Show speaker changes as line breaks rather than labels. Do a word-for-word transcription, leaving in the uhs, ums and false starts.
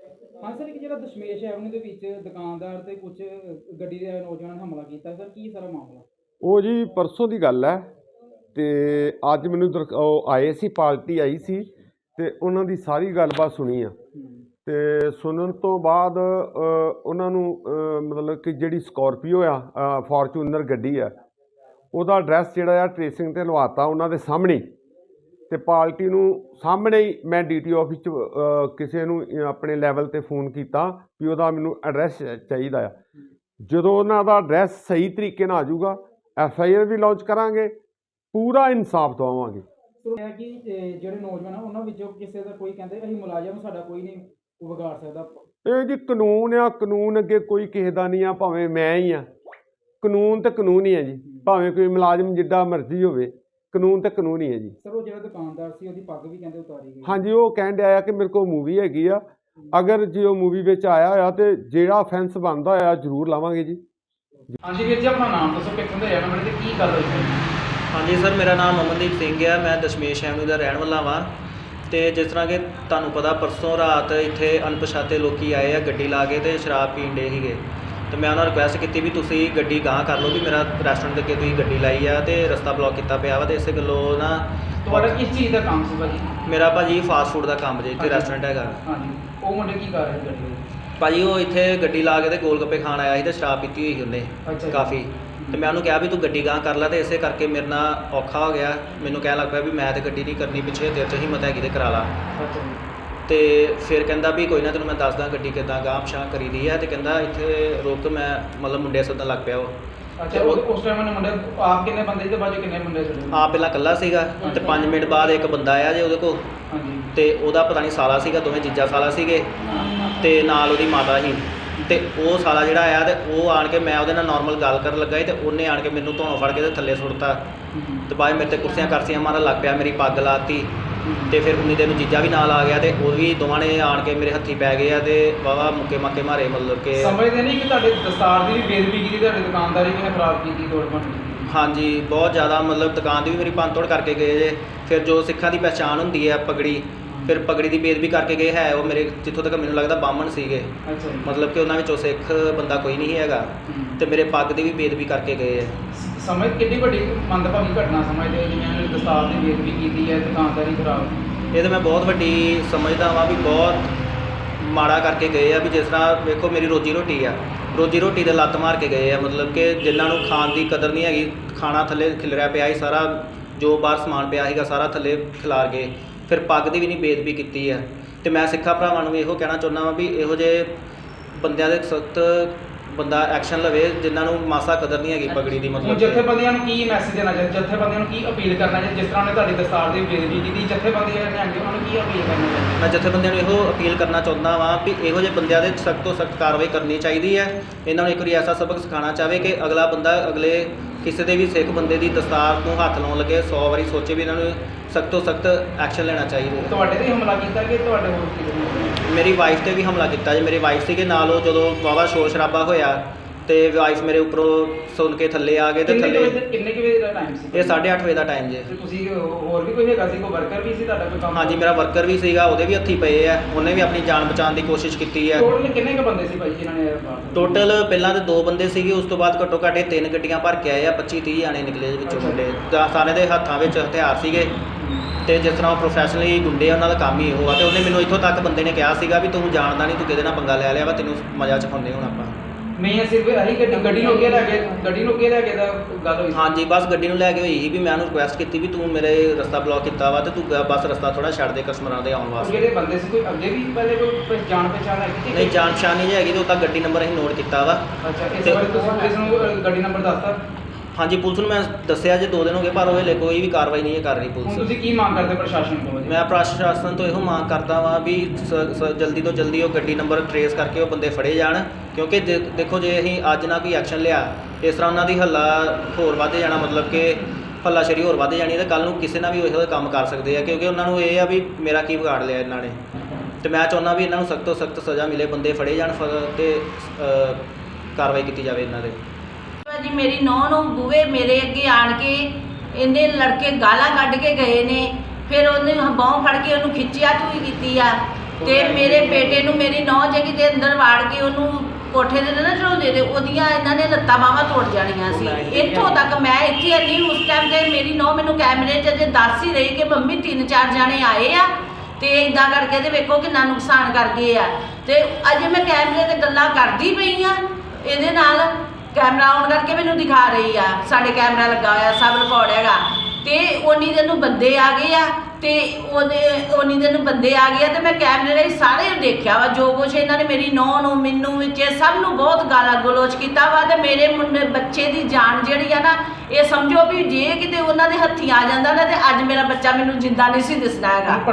हाँ सर, एक जो दशमेश एवेन्यू के विच दुकानदार ते कुछ गड्डी दे नौजवान ने हमला किया सर, की सारा मामला?
ਉਹ ਜੀ ਪਰਸੋਂ ਦੀ ਗੱਲ ਹੈ ਤੇ ਅੱਜ ਮੈਨੂੰ ਦਰ ਉਹ ਆਏ ਸੀ, ਪਾਰਟੀ ਆਈ ਸੀ ਤੇ ਉਹਨਾਂ ਦੀ ਸਾਰੀ ਗੱਲਬਾਤ ਸੁਣੀ ਆ। ਤੇ ਸੁਣਨ ਤੋਂ ਬਾਅਦ ਉਹਨਾਂ ਨੂੰ ਮਤਲਬ ਕਿ ਜਿਹੜੀ ਸਕੋਰਪੀਓ ਆ, ਫੋਰਚੂਨਰ ਗੱਡੀ ਆ, ਉਹਦਾ ਐਡਰੈਸ ਜਿਹੜਾ ਆ ਟ੍ਰੇਸਿੰਗ ਤੇ ਲਵਾਤਾ ਉਹਨਾਂ ਦੇ ਸਾਹਮਣੇ। ਤੇ ਪਾਰਟੀ ਨੂੰ ਸਾਹਮਣੇ ਹੀ ਮੈਂ ਡੀ ਟੀ ਆਫਿਸ 'ਚ ਕਿਸੇ ਨੂੰ ਆਪਣੇ ਲੈਵਲ 'ਤੇ ਫੋਨ ਕੀਤਾ ਵੀ ਉਹਦਾ ਮੈਨੂੰ ਐਡਰੈਸ ਚਾਹੀਦਾ ਆ। ਜਦੋਂ ਉਹਨਾਂ ਦਾ ਐਡਰੈਸ ਸਹੀ ਤਰੀਕੇ ਨਾਲ ਆ ਜਾਊਗਾ, ਐਫ ਆਈ ਆਰ ਵੀ ਲਾਂਚ ਕਰਾਂਗੇ, ਪੂਰਾ ਇਨਸਾਫ ਦਵਾਵਾਂਗੇ।
कि जो नौजवान है उन्होंने किसी का कोई कहते अं मुलाजम साडा कोई नहीं विगाड़ सकता।
ਇਹ ਜੀ ਕਾਨੂੰਨ ਆ, ਕਾਨੂੰਨ ਅੱਗੇ ਕੋਈ ਕਿਸੇ ਦਾ ਨਹੀਂ ਆ, ਭਾਵੇਂ ਮੈਂ ਹੀ ਆ। ਕਾਨੂੰਨ ਤੇ ਕਾਨੂੰਨ ਹੀ ਹੈ ਜੀ, ਭਾਵੇਂ ਕੋਈ ਮੁਲਾਜ਼ਮ ਜਿੱਡਾ ਮਰਜ਼ੀ ਹੋਵੇ, ਕਾਨੂੰਨ ਤੇ ਕਾਨੂੰਨ ਹੀ ਹੈ ਜੀ।
ਸਰ ਉਹ ਜਿਹੜਾ ਦੁਕਾਨਦਾਰ ਸੀ ਉਹਦੀ ਪੱਗ ਵੀ ਕਹਿੰਦੇ ਉਤਾਰੀ ਗਈ।
ਹਾਂਜੀ, ਉਹ ਕਹਿਣ ਡਿਆ ਕਿ ਮੇਰੇ ਕੋਲ ਮੂਵੀ ਹੈਗੀ ਆ, ਅਗਰ ਜੇ ਉਹ ਮੂਵੀ ਵਿੱਚ ਆਇਆ ਹੋਇਆ ਤੇ ਜਿਹੜਾ ਅਫੈਂਸ ਬਣਦਾ ਹੋਇਆ ਜ਼ਰੂਰ ਲਾਵਾਂਗੇ ਜੀ।
ਹਾਂਜੀ ਵੀਰ ਜੀ, ਆਪਣਾ ਨਾਮ ਦੱਸੋ, ਕਿੱਥੋਂ ਦੇ ਰਹਿਣ ਵਾਲੇ ਤੇ ਕੀ ਗੱਲ ਹੋਈ?
ਹਾਂਜੀ ਸਰ, ਮੇਰਾ ਨਾਮ ਅਮਨਦੀਪ ਸਿੰਘ ਹੈ, ਮੈਂ ਦਸ਼ਮੇਸ਼ ਐਵਨਿਊ ਦਾ ਰਹਿਣ ਵਾਲਾ ਵਾਂ। ਤੇ ਜਿਸ ਤਰ੍ਹਾਂ ਕਿ ਤੁਹਾਨੂੰ ਪਤਾ, ਪਰਸੋਂ ਰਾਤ ਇੱਥੇ ਅਣਪਛਾਤੇ ਲੋਕੀ ਆਏ ਆ ਗੱਡੀ ਲਾ ਕੇ ਤੇ ਸ਼ਰਾਬ ਪੀਣ ਡੇ ਸੀਗੇ। ਤੇ ਮੈਂ ਉਹਨਾਂ ਨੂੰ ਰਿਕੁਐਸਟ ਕੀਤੀ ਵੀ ਤੁਸੀਂ ਗੱਡੀ ਗਾਂਹ ਕਰ ਲਓ, ਵੀ ਮੇਰਾ ਰੈਸਟੋਰੈਂਟ ਦੇ ਅੱਗੇ ਤੁਸੀਂ ਗੱਡੀ ਲਾਈ ਆ ਤੇ ਰਸਤਾ ਬਲੌਕ ਕੀਤਾ ਪਿਆ ਵਾ। ਤੇ ਇਸੇ ਗੱਲੋਂ ਨਾ
ਤੁਹਾਡਾ ਕਿਸ ਚੀਜ਼ ਦਾ ਕੰਮ ਸੀ ਭਾਜੀ?
ਮੇਰਾ ਭਾਜੀ ਫਾਸਟ ਫੂਡ ਦਾ ਕੰਮ ਜੇ, ਇੱਥੇ ਰੈਸਟੋਰੈਂਟ ਹੈਗਾ।
ਹਾਂਜੀ, ਉਹ ਮੁੰਡੇ ਕੀ ਕਰ ਰਹੇ ਗੱਡੀ?
ਭਾਜੀ ਉਹ ਇੱਥੇ ਗੱਡੀ ਲਾ ਕੇ ਤੇ ਗੋਲ ਗੱਪੇ ਖਾਣ ਆਇਆ ਸੀ ਤੇ ਸ਼ਰਾਬ ਪੀਤੀ ਹੋਈ ਸੀ ਉਹਨੇ ਕਾਫੀ। ਤੇ ਮੈਂ ਉਹਨੂੰ ਕਿਹਾ ਵੀ ਤੂੰ ਗੱਡੀ ਗਾਂਹ ਕਰ ਲੈ, ਤੇ ਇਸੇ ਕਰਕੇ ਮੇਰੇ ਨਾਲ ਔਖਾ ਹੋ ਗਿਆ। ਮੈਨੂੰ ਕਹਿਣ ਲੱਗ ਪਿਆ ਵੀ ਮੈਂ ਤੇ ਗੱਡੀ ਨਹੀਂ ਕਰਨੀ, ਪਿੱਛੇ ਤੇਰੇ 'ਚ ਹਿੰਮਤ ਹੈਗੀ ਤੇ ਕਰਾ ਲਾ। ਤੇ ਫਿਰ ਕਹਿੰਦਾ ਵੀ ਕੋਈ ਨਾ, ਤੈਨੂੰ ਮੈਂ ਦੱਸਦਾ ਗੱਡੀ ਕਿੱਦਾਂ ਗਾਂਹ ਪਛਾਂ ਕਰੀ ਦੀ ਹੈ। ਤੇ ਕਹਿੰਦਾ ਇੱਥੇ ਰੁਕ, ਮੈਂ ਮਤਲਬ ਮੁੰਡੇ ਸੱਦਣ ਲੱਗ ਪਿਆ ਉਹ।
ਅੱਛਾ, ਉਸ ਟਾਈਮ ਉਹਨੇ ਮੁੰਡੇ ਆਪ ਕਿੰਨੇ ਬੰਦੇ ਤੇ ਬਾਅਦ ਕਿੰਨੇ ਮੁੰਡੇ ਸੀ?
ਆਪ ਪਹਿਲਾਂ ਇਕੱਲਾ ਸੀਗਾ ਤੇ ਪੰਜ ਮਿੰਟ ਬਾਅਦ ਇੱਕ ਬੰਦਾ ਆਇਆ ਜੇ ਉਹਦੇ ਕੋਲ।
ਹਾਂਜੀ।
ਤੇ ਉਹਦਾ ਪਤਾ ਨਹੀਂ ਸਾਲਾ ਸੀਗਾ, ਦੋਵੇਂ ਜੀਜਾ ਸਾਲਾ ਸੀਗੇ ਤੇ ਨਾਲ ਉਹਦੀ ਮਾਤਾ ਸੀ। ਤੇ ਉਹ ਸਾਲਾ ਜਿਹੜਾ ਆਇਆ ਤੇ ਉਹ ਆਣ ਕੇ, ਮੈਂ ਉਹਦੇ ਨਾਲ ਨਾਰਮਲ ਗੱਲ ਕਰਨ ਲੱਗਾ ਸੀ ਤੇ ਉਹਨੇ ਆਣ ਕੇ ਮੈਨੂੰ ਧੌਣੋਂ ਫੜ ਕੇ ਤੇ ਥੱਲੇ ਸੁੱਟਤਾ। ਤੇ ਬਾਅਦ ਮੇਰੇ ਤੇ ਕੁਰਸੀਆਂ ਕਰਸੀਆਂ ਮਾਰਨ ਲੱਗ ਪਿਆ, ਮੇਰੀ ਪੱਗ ਲਾਤੀ। ਤੇ ਫਿਰ ਉਨੀ ਦਿਨ ਜੀਜਾ ਵੀ ਨਾਲ ਆ ਗਿਆ ਤੇ ਉਹ ਵੀ ਦੋਵਾਂ ਨੇ ਆਣ ਕੇ ਮੇਰੇ ਹੱਥੀ ਪੈ ਗਏ ਆ ਤੇ ਵਾਹਵਾ ਮੁੱਕੇ ਮਾਕੇ ਮਾਰੇ। ਮਤਲਬ ਕਿ
ਸਮਝਦੇ ਨਹੀਂ ਕਿ ਤੁਹਾਡੇ ਦਸਤਾਰ ਦੀ ਵੀ ਬੇਦਬੀ ਕੀਤੀ, ਤੁਹਾਡੀ ਦੁਕਾਨਦਾਰੀ ਵੀ ਨੇ ਖਰਾਬ ਕੀਤੀ, ਤੋੜ ਭੰਨ ਕੀਤੀ।
ਹਾਂਜੀ, ਬਹੁਤ ਜ਼ਿਆਦਾ, ਮਤਲਬ ਦੁਕਾਨ ਦੀ ਵੀ ਮੇਰੀ ਭੰਨ ਤੋੜ ਕਰਕੇ ਗਏ ਜੇ। ਫਿਰ ਜੋ ਸਿੱਖਾਂ ਦੀ ਪਹਿਚਾਣ ਹੁੰਦੀ ਹੈ ਪਗੜੀ, ਫਿਰ ਪਗੜੀ ਦੀ ਬੇਦਬੀ ਕਰਕੇ ਗਏ ਹੈ। ਉਹ ਮੇਰੇ ਜਿੱਥੋਂ ਤੱਕ ਮੈਨੂੰ ਲੱਗਦਾ ਬਾਹਮਣ ਸੀਗੇ,
ਅੱਛਾ ਜੀ।
ਮਤਲਬ ਕਿ ਉਹਨਾਂ ਵਿੱਚੋਂ ਸਿੱਖ ਬੰਦਾ ਕੋਈ ਨਹੀਂ ਹੈਗਾ। ਤੇ ਮੇਰੇ ਪੱਗ ਦੀ ਵੀ ਬੇਦਬੀ ਕਰਕੇ ਗਏ ਹੈ।
ਸਮਝ ਕਿੰਨੀ ਵੱਡੀ ਮੰਦਭਾਗੀ ਘਟਨਾ ਸਮਝਦੇ ਹੋ, ਜਿਵੇਂ ਦਸਤਾਰ ਦੀ ਬੇਦਬੀ ਕੀਤੀ ਹੈ, ਦੁਕਾਨਦਾਰੀ ਖਰਾਬ?
ਇਹ ਤਾਂ ਮੈਂ ਬਹੁਤ ਵੱਡੀ ਸਮਝਦਾ ਵਾਂ ਵੀ ਬਹੁਤ ਮਾੜਾ ਕਰਕੇ ਗਏ ਆ। ਵੀ ਜਿਸ ਤਰ੍ਹਾਂ ਵੇਖੋ, ਮੇਰੀ ਰੋਜੀ ਰੋਟੀ ਆ, ਰੋਜੀ ਰੋਟੀ ਦੇ ਲੱਤ ਮਾਰ ਕੇ ਗਏ ਆ। ਮਤਲਬ ਕਿ ਜਿਨ੍ਹਾਂ ਨੂੰ ਖਾਣ ਦੀ ਕਦਰ ਨਹੀਂ ਹੈਗੀ, ਖਾਣਾ ਥੱਲੇ ਖਿਲਰਿਆ ਪਿਆ ਸੀ ਸਾਰਾ, ਜੋ ਬਾਹਰ ਸਮਾਨ ਪਿਆ ਸੀਗਾ ਸਾਰਾ ਥੱਲੇ ਖਿਲਾਰ ਗਏ। ਫਿਰ ਪੱਗ ਦੀ ਵੀ ਨਹੀਂ ਬੇਦਬੀ ਕੀਤੀ ਹੈ। ਤੇ ਮੈਂ ਸਿੱਖਾਂ ਭਰਾਵਾਂ ਨੂੰ ਵੀ ਇਹੋ ਕਹਿਣਾ ਚਾਹੁੰਦਾ ਵਾਂ ਵੀ ਇਹੋ ਜਿਹੇ ਬੰਦਿਆਂ ਦੇ ਸਖਤ ਬੰਦਾ ਐਕਸ਼ਨ ਲਵੇ, ਜਿਨ੍ਹਾਂ ਨੂੰ ਮਾਸਾ ਕਦਰ ਨਹੀਂ ਹੈਗੀ ਪਗੜੀ ਦੀ। ਮਤਲਬ
ਜਥੇਬੰਦੀਆਂ ਨੂੰ ਕੀ ਮੈਸੇਜ ਦੇਣਾ ਚਾਹੀਦਾ, ਜਥੇਬੰਦੀਆਂ ਨੂੰ ਕੀ ਅਪੀਲ ਕਰਨਾ ਚਾਹੀਦਾ? ਜਿਸ ਤਰ੍ਹਾਂ ਉਹਨੇ ਤੁਹਾਡੀ ਦਸਤਾਰ ਦੀ ਬੇਦਬੀ ਕੀਤੀ, ਜਥੇਬੰਦੀਆਂ ਨੇ ਉਹਨਾਂ ਨੂੰ ਕੀ ਅਪੀਲ ਕਰਨਾ ਚਾਹੀਦਾ?
ਮੈਂ ਜਥੇਬੰਦੀਆਂ ਨੂੰ ਇਹੋ ਅਪੀਲ ਕਰਨਾ ਚਾਹੁੰਦਾ ਵਾਂ ਵੀ ਇਹੋ ਜਿਹੇ ਬੰਦਿਆਂ ਦੇ ਸਖਤ ਤੋਂ ਸਖਤ ਕਾਰਵਾਈ ਕਰਨੀ ਚਾਹੀਦੀ ਹੈ। ਇਹਨਾਂ ਨੂੰ ਇੱਕ ਵਾਰੀ ਐਸਾ ਸਬਕ ਸਿਖਾਉਣਾ ਚਾਹਵੇ ਕਿ ਅਗਲਾ ਬੰਦਾ ਅਗਲੇ ਕਿਸੇ ਦੇ ਵੀ ਸਿੱਖ ਬੰਦੇ ਦੀ ਦਸਤਾਰ ਨੂੰ ਹੱਥ ਲਾਉਣ ਲੱਗੇ ਸੌ ਵਾਰੀ ਸੋਚੇ ਵੀ ਇਹਨਾਂ ਨੂੰ ਸਖਤ ਤੋਂ ਸਖਤ ਐਕਸ਼ਨ ਲੈਣਾ ਚਾਹੀਦਾ।
ਤੁਹਾਡੇ 'ਤੇ ਹਮਲਾ ਕੀਤਾ ਕਿ ਤੁਹਾਡੇ ਹੋਰ ਕੀ?
ਮੇਰੀ ਵਾਈਫ 'ਤੇ ਵੀ ਹਮਲਾ ਕੀਤਾ ਜੀ। ਮੇਰੀ ਵਾਈਫ ਸੀਗੇ ਨਾਲ, ਉਹ ਜਦੋਂ ਵਾਹਵਾ ਸ਼ੋਰ ਸ਼ਰਾਬਾ ਹੋਇਆ ਤੇ ਵਾਈਫ ਮੇਰੇ ਉੱਪਰੋਂ ਸੁਣ ਕੇ ਥੱਲੇ ਆ ਗਏ। ਤੇ ਥੱਲੇ
ਕਿੰਨੇ ਕੁ ਵਜੇ ਦਾ ਟਾਈਮ ਸੀ?
ਇਹ ਸਾਢੇ ਅੱਠ ਵਜੇ ਦਾ ਟਾਈਮ ਜੇ।
ਤੁਸੀਂ ਹੋਰ ਵੀ ਕੋਈ ਹੈਗਾ ਸੀ, ਕੋਈ ਵਰਕਰ ਵੀ ਸੀ ਤੁਹਾਡਾ ਕੋਈ ਕੰਮ?
ਹਾਂਜੀ, ਮੇਰਾ ਵਰਕਰ ਵੀ ਸੀਗਾ, ਉਹਦੇ ਵੀ ਹੱਥੀ ਪਏ ਆ, ਉਹਨੇ ਵੀ ਆਪਣੀ ਜਾਨ ਬਚਾਉਣ ਦੀ ਕੋਸ਼ਿਸ਼ ਕੀਤੀ ਹੈ।
ਟੋਟਲ ਕਿੰਨੇ ਕੁ ਬੰਦੇ ਸੀ ਭਾਈ ਜਿਨ੍ਹਾਂ ਨੇ?
ਟੋਟਲ ਪਹਿਲਾਂ ਤਾਂ ਦੋ ਬੰਦੇ ਸੀਗੇ, ਉਸ ਤੋਂ ਬਾਅਦ ਘੱਟੋ ਘੱਟ ਤਿੰਨ ਗੱਡੀਆਂ ਭਰ ਕੇ ਆਏ ਆ, ਪੱਚੀ ਤੀਹ ਜਾਣੇ ਨਿਕਲੇ ਵਿੱਚੋਂ ਮੁੰਡੇ। ਸਾਰੇ ਦੇ ਹੱਥਾਂ ਵਿੱਚ ਹਥਿਆਰ ਸੀਗੇ। ਤੇ ਜਿਸ ਤਰ੍ਹਾਂ ਉਹ ਪ੍ਰੋਫੈਸ਼ਨਲੀ ਗੁੰਡੇ ਆ, ਉਹਨਾਂ ਦਾ ਕੰਮ ਹੀ ਇਹੋ ਆ। ਤੇ ਉਹਨੇ ਮੈਨੂੰ ਇੱਥੋਂ ਤੱਕ ਬੰਦੇ ਨੇ ਕਿਹਾ ਸੀਗਾ ਵੀ ਤੂੰ ਜਾਣਦਾ ਨਹੀਂ, ਤੂੰ ਕਿਹਦੇ ਨਾਲ ਪੰਗਾ ਲੈ ਲਿਆ ਵਾ, ਤੈਨੂੰ ਮਜ਼ਾ ਚਖਾਉਂਦੇ ਹੁਣ ਆਪਾਂ।
ਨਹੀਂ, ਸਿਰਫ ਇਹੀ ਗੱਡੀ ਗੱਡੀ ਨੂੰ ਅੱਗੇ ਲੈ ਕੇ ਗੱਡੀ ਨੂੰ ਅੱਗੇ ਲੈ ਕੇ ਦਾ ਗੱਲ ਹੋਈ?
ਹਾਂਜੀ, ਬਸ ਗੱਡੀ ਨੂੰ ਲੈ ਕੇ ਹੋਈ ਸੀ ਵੀ ਮੈਂ ਉਹਨੂੰ ਰਿਕੁਐਸਟ ਕੀਤੀ ਵੀ ਤੂੰ ਮੇਰੇ ਰਸਤਾ ਬਲੌਕ ਕੀਤਾ ਵਾ ਤੇ ਤੂੰ ਬਸ ਰਸਤਾ ਥੋੜਾ ਛੱਡ ਦੇ ਕਸਟਮਰਾਂ ਦੇ ਆਉਣ ਵਾਸਤੇ।
ਜਿਹੜੇ ਬੰਦੇ ਸੀ ਕੋਈ ਅੱਗੇ ਵੀ ਪਹਿਲੇ ਕੋਈ ਜਾਣ ਪਛਾਣ ਹੈ?
ਨਹੀਂ, ਜਾਣ ਪਛਾਣ ਨਹੀਂ ਹੈਗੀ, ਤੇ ਉਹ ਤਾਂ ਗੱਡੀ ਨੰਬਰ ਅਸੀਂ ਨੋਟ ਕੀਤਾ ਵਾ।
ਅੱਛਾ, ਇਸ ਬਾਰੇ ਤੁਸੀਂ ਪੁਲਿਸ ਨੂੰ ਗੱਡੀ ਨੰਬਰ ਦੱਸਤਾ?
ਹਾਂਜੀ, ਪੁਲਿਸ ਨੂੰ ਮੈਂ ਦੱਸਿਆ ਜੇ ਦੋ ਦਿਨ ਹੋ ਗਏ, ਪਰ ਉਹ ਹਲੇ ਕੋਈ ਵੀ ਕਾਰਵਾਈ ਨਹੀਂ ਕਰ ਰਹੀ ਪੁਲਿਸ।
ਤੁਸੀਂ ਕੀ ਮੰਗ ਕਰਦੇ ਪ੍ਰਸ਼ਾਸਨ ਤੋਂ?
ਮੈਂ ਪ੍ਰਸ਼ਾਸਨ ਤੋਂ ਇਹੋ ਮੰਗ ਕਰਦਾ ਵਾਂ ਵੀ ਜਲਦੀ ਤੋਂ ਜਲਦੀ ਉਹ ਗੱਡੀ ਨੰਬਰ ਟਰੇਸ ਕਰਕੇ ਉਹ ਬੰਦੇ ਫੜੇ ਜਾਣ। ਕਿਉਂਕਿ ਦੇਖੋ, ਜੇ ਅਸੀਂ ਅੱਜ ਨਾ ਕੋਈ ਐਕਸ਼ਨ ਲਿਆ, ਇਸ ਤਰ੍ਹਾਂ ਉਹਨਾਂ ਦੀ ਹੱਲਾ ਹੋਰ ਵੱਧ ਜਾਣਾ, ਮਤਲਬ ਕਿ ਹੱਲਾਸ਼ੇਰੀ ਹੋਰ ਵੱਧ ਜਾਣੀ, ਤੇ ਕੱਲ੍ਹ ਨੂੰ ਕਿਸੇ ਨਾਲ ਵੀ ਇਹੋ ਜਿਹੇ ਕੰਮ ਕਰ ਸਕਦੇ ਆ। ਕਿਉਂਕਿ ਉਹਨਾਂ ਨੂੰ ਇਹ ਆ ਵੀ ਮੇਰਾ ਕੀ ਵਿਗਾੜ ਲਿਆ ਇਹਨਾਂ ਨੇ। ਤੇ ਮੈਂ ਚਾਹੁੰਦਾ ਵੀ ਇਹਨਾਂ ਨੂੰ ਸਖਤ ਤੋਂ ਸਖਤ ਸਜ਼ਾ ਮਿਲੇ, ਬੰਦੇ ਫੜੇ ਜਾਣ ਤੇ ਕਾਰਵਾਈ ਕੀਤੀ ਜਾਵੇ ਇਹਨਾਂ ਦੇ।
ਜੀ ਮੇਰੀ ਨੌਂ ਨੂੰ ਬੂਹੇ ਮੇਰੇ ਅੱਗੇ ਆਣ ਕੇ ਇਹਨੇ ਲੜਕੇ ਗਾਲਾਂ ਕੱਢ ਕੇ ਗਏ ਨੇ। ਫਿਰ ਉਹਨੇ ਬਾਂਹ ਫੜ ਕੇ ਉਹਨੂੰ ਖਿੱਚਿਆ ਤੂੰ ਕੀਤੀ ਆ। ਤੇ ਮੇਰੇ ਬੇਟੇ ਨੂੰ ਮੇਰੀ ਨੌਂ ਉਹਨੂੰ ਕੋਠੇ ਦੇ ਨਾ ਚੜਾਉਂਦੇ ਤੇ ਉਹਦੀਆਂ ਇਹਨਾਂ ਨੇ ਲੱਤਾਂ ਬਾਹਾਂ ਤੋੜ ਜਾਣੀਆਂ ਸੀ। ਇੱਥੋਂ ਤੱਕ ਮੈਂ ਇੱਥੇ ਇੰਨੀ ਉਸ ਟਾਈਮ ਤੇ ਮੇਰੀ ਨੌਂ ਮੈਨੂੰ ਕੈਮਰੇ 'ਚ ਜੇ ਦੱਸ ਹੀ ਰਹੀ ਕਿ ਮੰਮੀ ਤਿੰਨ ਚਾਰ ਜਾਣੇ ਆਏ ਆ ਤੇ ਇਦਾਂ ਕਰਕੇ ਤੇ ਵੇਖੋ ਕਿੰਨਾ ਨੁਕਸਾਨ ਕਰ ਗਏ ਆ। ਤੇ ਅਜੇ ਮੈਂ ਕੈਮਰੇ ਤੇ ਗੱਲਾਂ ਕਰਦੀ ਪਈ ਆ, ਇਹਦੇ ਨਾਲ ਕੈਮਰਾ ਆਨ ਕਰਕੇ ਮੈਨੂੰ ਦਿਖਾ ਰਹੀ ਆ, ਸਾਡੇ ਕੈਮਰਾ ਲੱਗਾ ਹੋਇਆ ਸਭ ਰਿਕਾਰਡ ਹੈਗਾ। ਤੇ ਉਨੀ ਦਿਨ ਨੂੰ ਬੰਦੇ ਆ ਗਏ ਆ ਤੇ ਉਹਦੇ ਉਨੀ ਦਿਨ ਨੂੰ ਬੰਦੇ ਆ ਗਏ ਆ ਤੇ ਮੈਂ ਕੈਮਰੇ ਰਾਹੀਂ ਸਾਰੇ ਦੇਖਿਆ ਵਾ ਜੋ ਕੁਛ ਇਹਨਾਂ ਨੇ ਮੇਰੀ ਨੌਂ ਨੂੰ ਮੈਨੂੰ ਵਿੱਚ ਸਭ ਨੂੰ ਬਹੁਤ ਗਾਲਾਂ ਗਲੋਚ ਕੀਤਾ ਵਾ। ਤੇ ਮੇਰੇ ਮੁੰਡੇ ਬੱਚੇ ਦੀ ਜਾਨ ਜਿਹੜੀ ਆ ਨਾ, ਇਹ ਸਮਝੋ ਵੀ ਜੇ ਕਿਤੇ ਉਹਨਾਂ ਦੇ ਹੱਥੀਂ ਆ ਜਾਂਦਾ ਨਾ ਤੇ ਅੱਜ ਮੇਰਾ ਬੱਚਾ ਮੈਨੂੰ ਜਿੰਦਾ ਨਹੀਂ ਸੀ ਦਿਸਦਾ ਹੈਗਾ।